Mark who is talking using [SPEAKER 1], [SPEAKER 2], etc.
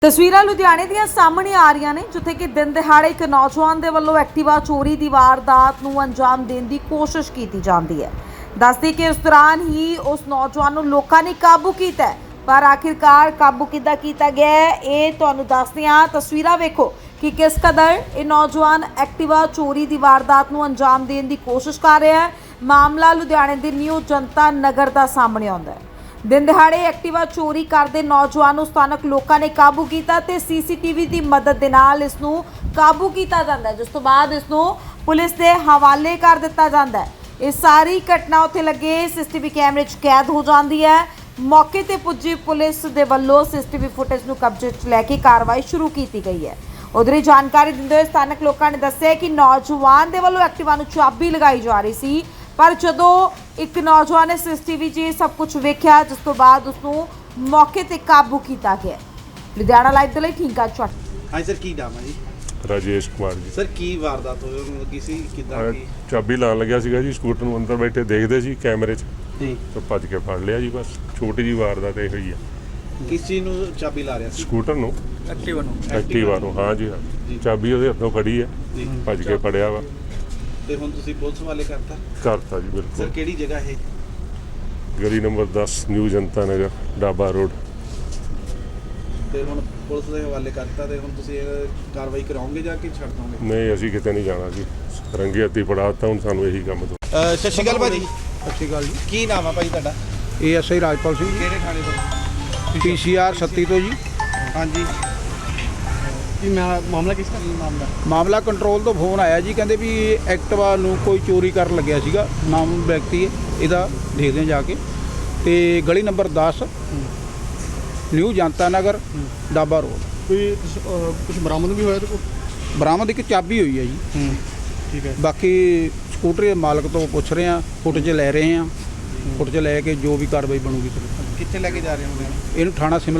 [SPEAKER 1] ਤਸਵੀਰਾਂ ਲੁਧਿਆਣੇ ਦੀਆਂ ਸਾਹਮਣੇ ਆ ਰਹੀਆਂ ਨੇ ਜਿੱਥੇ ਕਿ ਦਿਨ ਦਿਹਾੜੇ ਇੱਕ ਨੌਜਵਾਨ ਦੇ ਵੱਲੋਂ ਐਕਟਿਵਾ ਚੋਰੀ ਦੀ ਵਾਰਦਾਤ ਨੂੰ ਅੰਜਾਮ ਦੇਣ ਦੀ ਕੋਸ਼ਿਸ਼ ਕੀਤੀ ਜਾਂਦੀ ਹੈ। ਦੱਸਦੇ ਕਿ ਉਸ ਦੌਰਾਨ ਹੀ ਉਸ ਨੌਜਵਾਨ ਨੂੰ ਲੋਕਾਂ ਨੇ ਕਾਬੂ ਕੀਤਾ ਹੈ, ਪਰ ਆਖਿਰਕਾਰ ਕਾਬੂ ਕਿੱਦਾਂ ਕੀਤਾ ਗਿਆ ਹੈ ਇਹ ਤੁਹਾਨੂੰ ਦੱਸਦੇ ਹਾਂ। ਤਸਵੀਰਾਂ ਵੇਖੋ ਕਿ ਕਿਸ ਕਦਰ ਇਹ ਨੌਜਵਾਨ ਐਕਟਿਵਾ ਚੋਰੀ ਦੀ ਵਾਰਦਾਤ ਨੂੰ ਅੰਜਾਮ ਦੇਣ ਦੀ ਕੋਸ਼ਿਸ਼ ਕਰ ਰਿਹਾ ਹੈ। ਮਾਮਲਾ ਲੁਧਿਆਣੇ ਦੇ ਨਿਊ ਜਨਤਾ ਨਗਰ ਦਾ ਸਾਹਮਣੇ ਆਉਂਦਾ ਹੈ। दिन दिहाड़े एक्टिवा चोरी करते नौजवान ਨੂੰ ਸਥਾਨਕ ਲੋਕਾਂ ਨੇ ਕਾਬੂ ਕੀਤਾ ਤੇ सीसीटीवी ਦੀ ਮਦਦ ਦੇ ਨਾਲ ਇਸ ਨੂੰ ਕਾਬੂ ਕੀਤਾ ਜਾਂਦਾ ਹੈ, ਜਿਸ ਤੋਂ ਬਾਅਦ ਇਸ ਨੂੰ ਪੁਲਿਸ ਦੇ ਹਵਾਲੇ ਕਰ ਦਿੱਤਾ ਜਾਂਦਾ ਹੈ। ਇਹ ਸਾਰੀ ਘਟਨਾ ਉੱਥੇ ਲੱਗੇ सीसीटीवी ਕੈਮਰੇ 'ਚ ਕੈਦ ਹੋ ਜਾਂਦੀ ਹੈ। ਮੌਕੇ ਤੇ ਪੁੱਜੀ ਪੁਲਿਸ ਦੇ ਵੱਲੋਂ सीसीटीवी ਫੁਟੇਜ ਨੂੰ ਕਬਜ਼ੇ 'ਚ ਲੈ ਕੇ ਕਾਰਵਾਈ ਸ਼ੁਰੂ ਕੀਤੀ ਗਈ ਹੈ। ਉਧਰ ਹੀ ਜਾਣਕਾਰੀ ਦਿੰਦੇ ਹੋਏ ਸਥਾਨਕ ਲੋਕਾਂ ਨੇ ਦੱਸਿਆ ਕਿ ਨੌਜਵਾਨ ਦੇ ਵੱਲੋਂ ਐਕਟਿਵਾ ਨੂੰ ਚਾਬੀ ਲਗਾਈ ਜਾ ਰਹੀ ਸੀ, पर ਜਦੋਂ ਇੱਕ ਨੌਜਵਾਨ ਨੇ सीसीटीवी 'ਚ ਸਭ ਕੁਝ ਵੇਖਿਆ, ਜਿਸ ਤੋਂ ਬਾਅਦ ਉਸ ਨੂੰ ਮੌਕੇ ਤੇ ਕਾਬੂ ਕੀਤਾ ਗਿਆ। ਲੁਧਿਆਣਾ ਲਾਈਵ ਦੇ ਲਈ ਠੀਕਾ ਚੱਟ।
[SPEAKER 2] ਹਾਂਜੀ ਸਰ, ਕੀ ਨਾਮ ਹੈ ਜੀ?
[SPEAKER 3] राजेश कुमार जी।
[SPEAKER 2] ਸਰ ਕੀ ਵਾਰਦਾਤ ਹੋਈ ਲੱਗੀ ਸੀ, ਕਿੱਦਾਂ ਕੀ?
[SPEAKER 3] ਚਾਬੀ ਲਾਣ ਲੱਗਿਆ ਸੀਗਾ ਜੀ ਸਕੂਟਰ ਨੂੰ, ਅੰਦਰ ਬੈਠੇ ਦੇਖਦੇ ਸੀ ਕੈਮਰੇ 'ਚ
[SPEAKER 2] ਜੀ,
[SPEAKER 3] ਤਾਂ ਭੱਜ ਕੇ ਫੜ ਲਿਆ ਜੀ। ਬਸ ਛੋਟੀ ਜੀ ਵਾਰਦਾਤ ਇਹ ਹੋਈ ਆ।
[SPEAKER 2] ਕਿਸ ਚੀਜ਼ ਨੂੰ ਚਾਬੀ ਲਾ ਰਿਹਾ ਸੀ?
[SPEAKER 3] ਸਕੂਟਰ ਨੂੰ, ਐਕਟਿਵਾ ਨੂੰ। ਹਾਂ ਜੀ, ਹਾਂ
[SPEAKER 2] ਜੀ।
[SPEAKER 3] ਚਾਬੀ ਉਹਦੇ ਹੱਥੋਂ ਫੜੀ ਹੈ,
[SPEAKER 2] ਜੀ।
[SPEAKER 3] ਭੱਜ ਕੇ ਫੜਿਆ ਵਾ।
[SPEAKER 2] ਤੇ ਹੁਣ ਤੁਸੀਂ ਪੁਲਿਸ ਵਾਲੇ ਕਰਤਾ?
[SPEAKER 3] ਕਰਤਾ ਜੀ
[SPEAKER 2] ਸਰ
[SPEAKER 3] ਬਿਲਕੁਲ।
[SPEAKER 2] ਕਿਹੜੀ ਜਗ੍ਹਾ ਇਹ?
[SPEAKER 3] ਗਲੀ number 10 new Janta Nagar Daba road.
[SPEAKER 2] ਤੇ ਹੁਣ ਪੁਲਿਸ ਦੇ ਹਵਾਲੇ ਕਰਤਾ ਤੇ ਹੁਣ ਤੁਸੀਂ ਇਹ ਕਾਰਵਾਈ ਕਰਾਓਗੇ ਜਾਂ ਕਿ ਛੱਡ ਦੋਗੇ?
[SPEAKER 3] ਨਹੀਂ, ਅਸੀਂ ਕਿਤੇ ਨਹੀਂ ਜਾਣਾ ਜੀ, ਰੰਗੇ ਹੱਥੀਂ ਫੜਾਤਾ ਹੁਣ ਸਾਨੂੰ ਇਹੀ ਕੰਮ ਤੋਂ।
[SPEAKER 2] ਸਤਿ ਸ਼੍ਰੀ ਅਕਾਲ ਭਾਜੀ।
[SPEAKER 4] ਸਤਿ ਸ਼੍ਰੀ ਅਕਾਲ ਜੀ।
[SPEAKER 2] ਕੀ ਨਾਮ ਆ ਭਾਈ ਤੁਹਾਡਾ?
[SPEAKER 4] ASI ਰਾਜਪਾਲ ਸਿੰਘ ਜੀ,
[SPEAKER 2] ਕਿਹੜੇ ਥਾਣੇ ਤੋਂ?
[SPEAKER 4] PCR 37 ਤੋਂ ਜੀ।
[SPEAKER 2] ਹਾਂਜੀ, ਕੀ ਮਾਮਲਾ ਕਿਸ ਦਾ? ਮਾਮਲਾ
[SPEAKER 4] ਮਾਮਲਾ ਕੰਟਰੋਲ ਤੋਂ ਫੋਨ ਆਇਆ ਜੀ, ਕਹਿੰਦੇ ਵੀ ਐਕਟਿਵਾ ਨੂੰ ਕੋਈ ਚੋਰੀ ਕਰਨ ਲੱਗਿਆ ਸੀਗਾ, ਨਾਮ ਵਿਅਕਤੀ ਹੈ ਇਹਦਾ, ਦੇਖਦੇ ਹਾਂ ਜਾ ਕੇ। ਤੇ ਗਲੀ number 10 new Janta Nagar Daba road.
[SPEAKER 5] ਕੋਈ ਕੁਝ ਬਰਾਮਦ ਵੀ ਹੋਇਆ ਤੇ ਕੋਈ?
[SPEAKER 4] ਬਰਾਮਦ ਇੱਕ ਚਾਬੀ ਹੋਈ ਹੈ ਜੀ।
[SPEAKER 5] ਠੀਕ ਹੈ।
[SPEAKER 4] ਬਾਕੀ ਸਕੂਟਰ ਦੇ ਮਾਲਕ ਤੋਂ ਪੁੱਛ ਰਹੇ ਹਾਂ, ਫੁਟੇਜ ਲੈ ਰਹੇ ਹਾਂ, ਫੁਟੇਜ ਲੈ ਕੇ ਜੋ ਵੀ ਕਾਰਵਾਈ ਬਣੂਗੀ।
[SPEAKER 2] ਕਿੱਥੇ ਲੈ ਕੇ ਜਾ ਰਹੇ ਹੋ?
[SPEAKER 4] ਇਹਨੂੰ ਥਾਣਾ ਸਿਮਲਾ